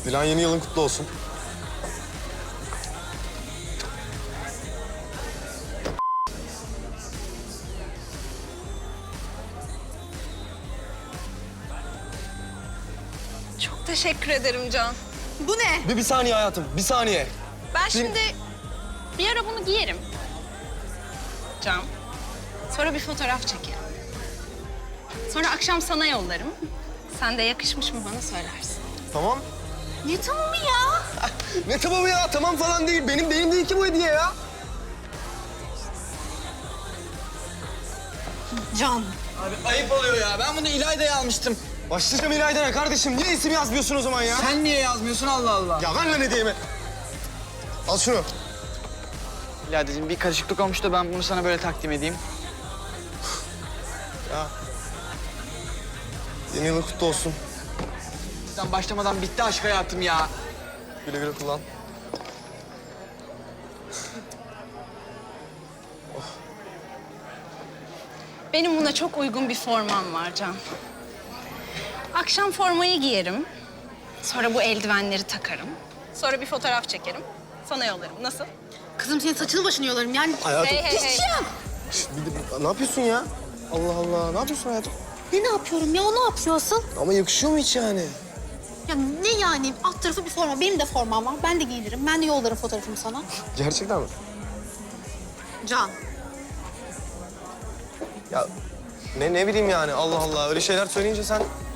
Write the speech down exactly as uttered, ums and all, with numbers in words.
Dilan yeni yılın kutlu olsun. Çok teşekkür ederim Can. Bu ne? Bir, bir saniye hayatım, bir saniye. Ben şimdi bir ara bunu giyerim. Can. Sonra bir fotoğraf çekerim. Sonra akşam sana yollarım. Sen de yakışmış mı bana söylersin. Tamam. Ne tamamı ya? Ne tamamı ya? Tamam falan değil. Benim benim değil ki bu hediye ya. Can. Abi ayıp oluyor ya. Ben bunu İlayda'ya almıştım. Başlayacağım İlayda'ya kardeşim. Niye isim yazmıyorsun o zaman ya? Sen niye yazmıyorsun Allah Allah? Ya ver lan hediyemi. Al şunu. İlayda'cığım bir karışıklık olmuş da ben bunu sana böyle takdim edeyim. Ya. Yeni yılın kutlu olsun. Sen başlamadan bitti aşk hayatım ya. Güle güle kullan. Benim buna çok uygun bir formam var Can. Akşam formayı giyerim. Sonra bu eldivenleri takarım. Sonra bir fotoğraf çekerim. Sana yollarım. Nasıl? Kızım senin saçını başını yolarım yani. Hayatım. Hey hey hey. Şişt, bir de- ne yapıyorsun ya? Allah Allah. Ne yapıyorsun hayatım? Ne ne yapıyorum ya? O ne yapıyor asıl? Ama yakışıyor mu hiç yani? Ya ne yani? Alt tarafı bir forma. Benim de formam var. Ben de giyinirim. Ben de yollarım fotoğrafımı sana. Gerçekten mi? Can. Ya ne ne bileyim yani Allah Allah. Öyle şeyler söyleyince sen